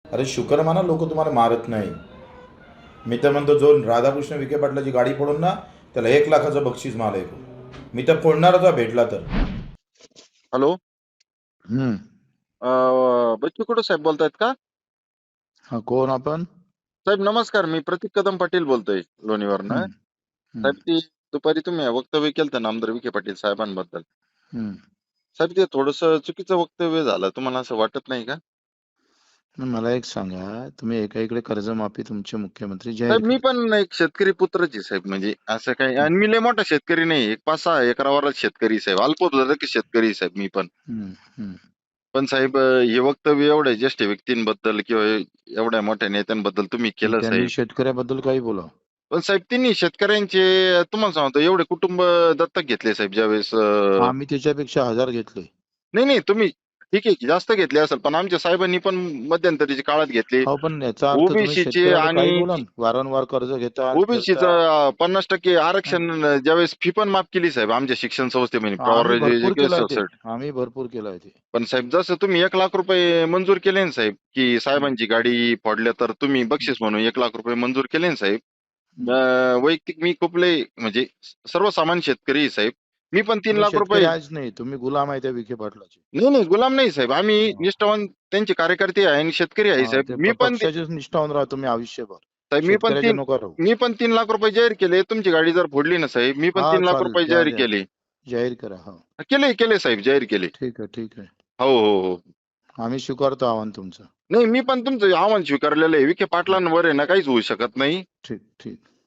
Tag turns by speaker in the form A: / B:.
A: अरे शुकर माना, लोक तुम्हाला मारत नाही. मी तर म्हणतो, जो राधाकृष्ण विखे पाटलाची गाडी फोडून ना, त्याला 1 लाखाचं बक्षीस माल आहे. मी तर फोडणारच आहे भेटला तर.
B: हॅलो.
C: हम्म.
B: बच्चू कडू साहेब बोलतायत का?
C: हा, कोण आपण?
B: साहेब नमस्कार, मी प्रतीक कदम पाटील बोलतोय लोणीवरनं.
C: हम्म.
B: साहेब ती दुपारी तुम्ही वक्तव्य केलं नामदार विखे पाटील साहेबांबद्दल.
C: हम्म.
B: साहेब ते थोडस चुकीचं वक्तव्य झालं, तुम्हाला असं वाटत नाही का?
C: मला एक सांगा, तुम्ही एकाकडे कर्जमाफी तुमचे मुख्यमंत्री जाहीर
B: साहेब मी
C: केली.
B: पण एक शेतकरी पुत्रच आहे साहेब, म्हणजे असं काही, आणि मी लय मोठा शेतकरी नाही, एक 5-6 एकरावरच शेतकरी साहेब, अल्पभूधारक शेतकरी साहेब मी पण.
C: हम्म. हम्म.
B: पण साहेब हे वक्तव्य एवढ्या ज्येष्ठ व्यक्तींबद्दल किंवा एवढ्या मोठ्या नेत्यांबद्दल तुम्ही केलं
C: त्यांनी
B: साहेब.
C: शेतकऱ्याबद्दल काही बोला.
B: पण साहेब त्यांनी शेतकऱ्यांचे, तुम्हाला सांगतो, एवढे कुटुंब दत्तक घेतले साहेब ज्यावेळेस.
C: आम्ही त्याच्यापेक्षा 1000 घेतले.
B: नाही नाही, तुम्ही ठीक आहे की जास्त घेतले असेल, पण आमच्या साहेबांनी पण मध्यंतरीच्या काळात घेतले.
C: हो, पण याचा अर्थ तुम्ही
B: ओबीसीचे
C: शेतकऱ्याला काही
B: आणि
C: बोला ना. वारंवार कर्ज घेता
B: ओबीसीचं
C: फिरता.
B: 50% आरक्षण ज्यावेळेस फी पण माफ केली साहेब आमच्या शिक्षण संस्थेमध्ये
C: आम्ही भरपूर केलंय ते.
B: प्रायोरिटी.
C: आम्ही भरपूर केलंय ते.
B: पण साहेब जसं तुम्ही 1 लाख रुपये मंजूर केले ना साहेब, की साहेबांची गाडी फोडल्या तर तुम्ही बक्षीस म्हणून 1 लाख रुपये मंजूर केले ना साहेब. वैयक्तिक मी खूप लय म्हणजे सर्वसामान्य शेतकरी आहे साहेब. मी पण 3
C: तुम्ही
B: लाख
C: शेतकरी
B: रुपये
C: आहेच नाही, तुम्ही गुलाम आहे त्या विखे पाटलाचे.
B: नाही नाही, गुलाम नाही साहेब, आम्ही
C: हा.
B: निष्ठावान त्यांचे कार्यकर्ते आहे आणि शेतकरी आहे साहेब.
C: ते
B: मी पण
C: पक्षाचेच निष्ठावून राहा तुम्ही आयुष्यभर.
B: साहेब
C: शेतकऱ्याचे नको राहू.
B: मी पण 3 लाख रुपये जाहीर केले. तुमची गाडी जर फोडली ना साहेब, मी पण
C: हा,
B: 3 लाख
C: चालेल,
B: रुपये
C: द्या
B: जाहीर
C: द्या.
B: केले.
C: जाहीर करा. हा,
B: केले साहेब, जाहीर केले.
C: ठीक आहे, ठीक आहे.
B: हो हो हो.
C: आम्ही स्वीकारतो आव्हान तुमचं.
B: नाही, मी पण तुमचं आव्हान स्वीकारलेलं आहे. विखे पाटलांवर आहे ना काहीच होऊ शकत नाही.
C: ठीक ठीक.